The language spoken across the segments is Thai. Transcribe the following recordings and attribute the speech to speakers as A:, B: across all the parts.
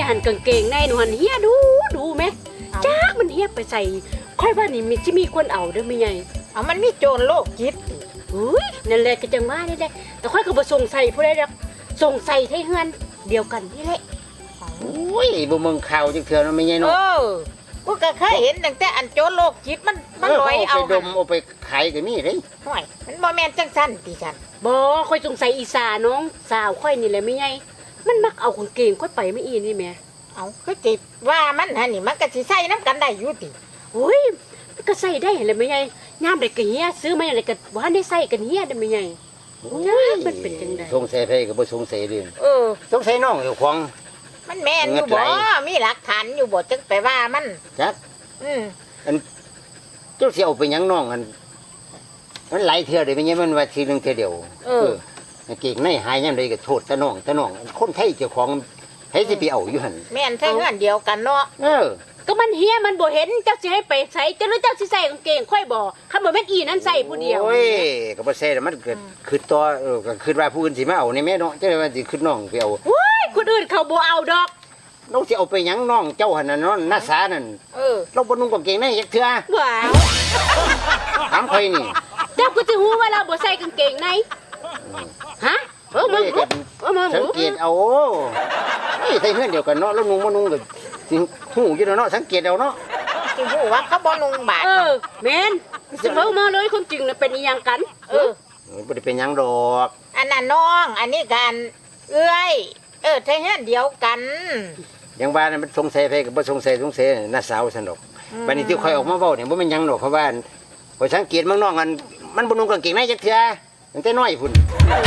A: หันกางเกงในหนูหันเฮียดูไหมจ้ามันเฮียไปใส่ค่อยว่านี่มีที่มีคนเอาเด้อไม่ไง
B: เอามันมีโจรโรคจิต
A: อุ้ยนั่นแหละก็จังว่านี่แหละแต่ค่อยก็บ่ส่งใส่ผู้ใดดอกส่งใส่ให้เฮือนเดียวกันนี่แหละ
C: โอ้ยบ่มึงข่าวจังเทื่อเนาะไม่ใช่เนาะ
B: กูก็เคยเห็นตั้งแต่อันโจรโรคจิตมันลอยเอา
C: ไปดมเอาไปขายก็มีเด้
B: ห่วยมันบ่แม่นจังซั่นติฉัน
A: บ่ค่อยสงสัยอีสาน้องสาวค่อยนี่แหละไม่ไงมันมักเอากางเกงค่อยไปไม่อีนี่แม่
B: เอาคือจิว่ามันหั่นนี่มันก็สิใส่น้ำกันได้อยู่ติ
A: โอ้ยมันก็ใส่ได้แหละไม่ไงยามใดก็เฮียซื้อมาอะไรก็ว่าได้ใส่กันเฮียได้ไม่ไงมันเป็นจังได๋
C: สงสัยไผก็บ่สงสัยเด้สงสัยน้องเจ้าของ
B: มันแม่นอยู่บ่มีหลักฐานอยู่บ่จังไปว่ามัน
C: จักอันเจ้าสิเอาไปหยังน้องอันมันหลายเทื่อเด้ไม่ใช่มันว่าทีนึงเทื่อเดียวเก่งในหายยามใดก็โทษตะน้องคนไทยเจ้าของให้สิไปเอาอยู่หั่น
B: แม่นใส่เฮือนเดียวกันเนาะ
A: ก็มันเฮียมันบ่เห็นเจ้าสิให้ไปใส่เจ้าหรือเจ้าสิใส่กางเกงค่อยบ่คันบ่แม่นอีนั้นใส่ผู้เดียว
C: โอ้ยก็บ่ใช่มันเกิดคือต่อก็คือว่าผู้อื่นสิมาเอาในแม่เนาะจังว่าสิคือน้องไปเอา
A: โอ้ยคนอื่นเขาบ่เอาดอก
C: น้องสิเอาไปหยังน้องเจ้าหั่นน่ะเนาะน้าสานั่นเราบ่นุ่งกางเกงในจักเทื่อ
A: ว้าว
C: ถามข่อยนี่
A: เจ้าก็สิฮู้ว่าเราบ่ใส่กางเกงในฮะมึง
C: สังเกตเอาใส่เฮือนเดียวกันเนาะแล้วนุ่งบ่นุ่งก็สิฮู้อยู่เนาะสังเกตเอาเนาะ
B: สิฮู้ว่าเขาบ่นุ่งบาด
A: แม่นสิเว้ามาเลยความจริงน่ะเป็นอีหยังกัน
C: บ่ได้เป็นหยังดอก
B: อันนั้นน้องอันนี้กันเอื้อยใช่เฮือนเดียวกัน
C: อย่างว่ามันสงสัยไผก็บ่สงสัยน้าสาวซั่นดอกบัดนี้ที่ข่อยออกมาเว้าเนี่ยบ่แม่นหยังดอกเพราะว่าข่อยสังเกตเมืองน้องมันบ่นุ่งกางเกงในจักเทื่อตั้งแต่น้อยพุ่น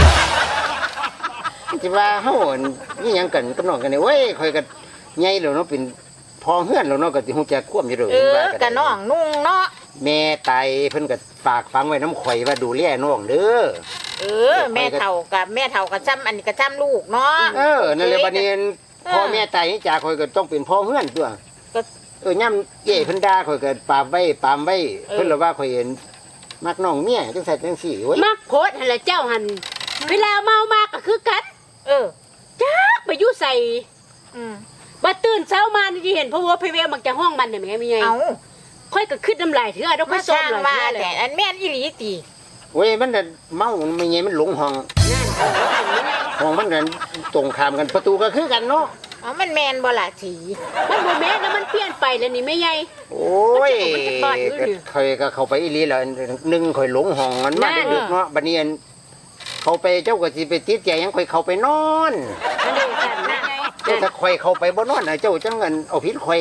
C: สิว่าเฮานี่หยังกันกับน้องกันนี่เว้ยข่อยก็ใหญ่แล้วเนาะเป็นพอเฮือนแล้วเนาะก็สิฮู้จักความอยู่เด้อ
B: ว่าก็น้องนุ่งเนาะ
C: แม่ตายเพิ่นก็ฝากฝังไว้น้ำข่อยว่าดูแลน้องเด้อ
B: แม่เฒ่ากับซ้ำอันนี้ก็ซ้ำลูกเนาะ
C: นั่นแหละบัดนี้พ่อแม่ตายนี่จากข่อยก็ต้องเป็นพ่อเฮือนตัวย่ำเย่เพิ่นด่าข่อยก็ปามไว้เพิ่นละว่าข่อยเห็นมักน้องเมียจังซั่นจังซี่โอ้ย
A: มักโพดหั่นล่ะเจ้าหั่นเวลาเมามาก็คือกันจักไปอยู่ใส่บ่ตื่นเช้ามานี่เห็นพ่อวัวไปเวมักจะห้องมันได้แม่มีไงค่อยก็คิดน้ำลายเถื่อดอกค่อยซ้อมหลายเถื่อ
B: แต่อันแม่นอีหลีติ
C: โอ้ยมันน่ะเมามันไงมันหลงห้องมันกันตรงข้ามกันประตูก็คือกันเนาะ
B: มันแม่นบ่ล่ะสี
A: มันบ่แม่นแล้วมันเปลี่ยนไปแล้วนี่แม่ใหญ่
C: โอ้ยค่อยก็เข้าไปอีหลีแล้วนึงค่อยหลงห้องมันมาดึกเนาะบัดนี้เขาไปเจ้าก็สิไปติดใจยังค่อยเข้าไปนอนถ้าค่อยเข้าไปบ่นอนเจ้าจังเงินเอาผิดค่อย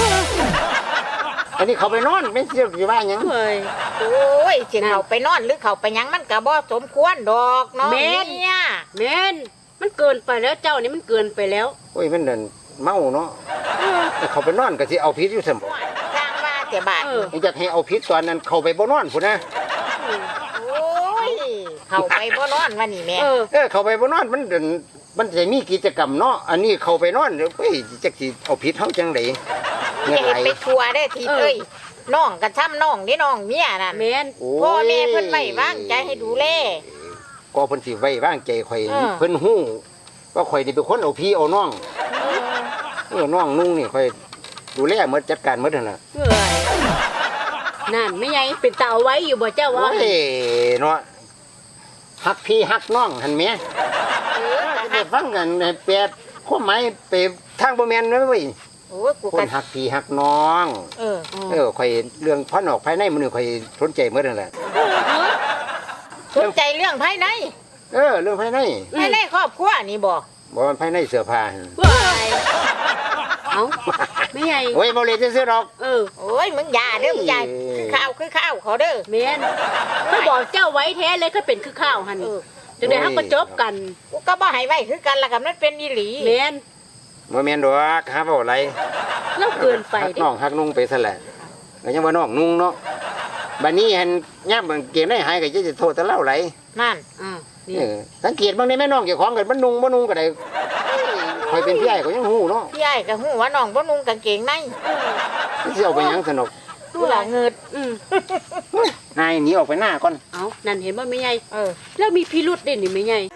C: อันนี้เขาไปนอนไม่เชื่อสิว่าหยัง
B: โอ้ยสิเขาไปนอนหรือเขาไปหยังมันก็บ่สมควรดอกเนาะ
A: แม่นมันเกินไปแล้วเจ้านี่มันเกินไปแล้ว
C: โอ้ยมันนั่นเมาเนาะเขาไปนอนก็สิเอาผิดอยู่ซั่นบ่
B: ทางว่าแต่บาด
C: อยากให้เอาผิดตอนนั้นเข้าไปบ่นอนพุ่นนะ
B: โอ้ยเข้าไปบ่นอนว่านี่แม่
C: เข้าไปบ่นอนมันจะมีกิจกรรมเนาะอันนี้เข้าไปนอนเฮ้ยจักสิเอาผิดเฮาจังได๋
B: เฮ็ดไปทัวได้ทีเอ้ยน้องกระช้ำน้องนี่น้องเมียน่ะ
A: แม่น
B: พ่อแม่เพิ่นไว้วางใจให้ดูแล
C: ก็เพิ่นสิไว้วางใจข่อยเพิ่นฮู้ว่าข่อยนี่เป็นคนเอาพี่เอาน้องน้องนุ่งนี่ข่อยดูแลหมดจัดการหมดนั่นน่ะ
A: นั่นไม่ใหญ่เป็นตาเอาไว้อยู่บ่เจ้าว่า
C: โอ้ยเนาะฮักพี่ฮักน้องหั่นแม่ได้ฟังกันแปดความหมายไปทางบ่แม่นเด้อเว้ยคนฮักพี่ฮักน้องข่อยเรื่องภายนอกภายในมื้อนี้ข่อยสนใจหมดนั่นแหละ
B: สนใจเรื่องภายใน
C: เรื่องภายใน
B: ครอบครัวนี่บ่
C: มันภายในเสื้อผ้า
A: เอ้าไม่ใหญ่
C: โอ้ยบ่เลยซื่อๆดอก
B: โอ้ยมึงอย่าเด้อมึงอย่าคือข้าวเขาเด้อ
A: แม่นเขาบอกเจ้าไว้แท้เลยก็เป็นคือข้าวหั่นจังได๋เฮาก็จบกัน
B: กูก็บ่ให้ไว้คือกันล่ะกับมันเป็นอีหลี
A: แม่น
C: บ่แม่นดอกหาเว้าอะไร
A: แล้วเกินไป
C: น้องฮักนุ่งไปซะแหละก็ยังว่าน้องนุ่งเนาะบัดนี้หั่นยามเกงได้หายก็จะโทษแต่เล่าไหล
B: นั่น
C: นี่สังเกตบางในแม่น้องเจ้าของก็มันนุ่งบ่นุ่งก็ได้ข่อยเป็นพี่ใหญ่ก็ยังฮู้เนาะ
B: พี่ใหญ่ก็ฮู้ว่าน้องบ่นุ่งกางเกงใน
C: สิเอาไปหยังสนุก
B: ดูล่ะเงิด
C: นายหนีออกไปหน้าก่อน
A: เอ้านั่นเห็นบ่แม่ใหญ่แล้วมีพิรุธเด้นี่แม่ใหญ่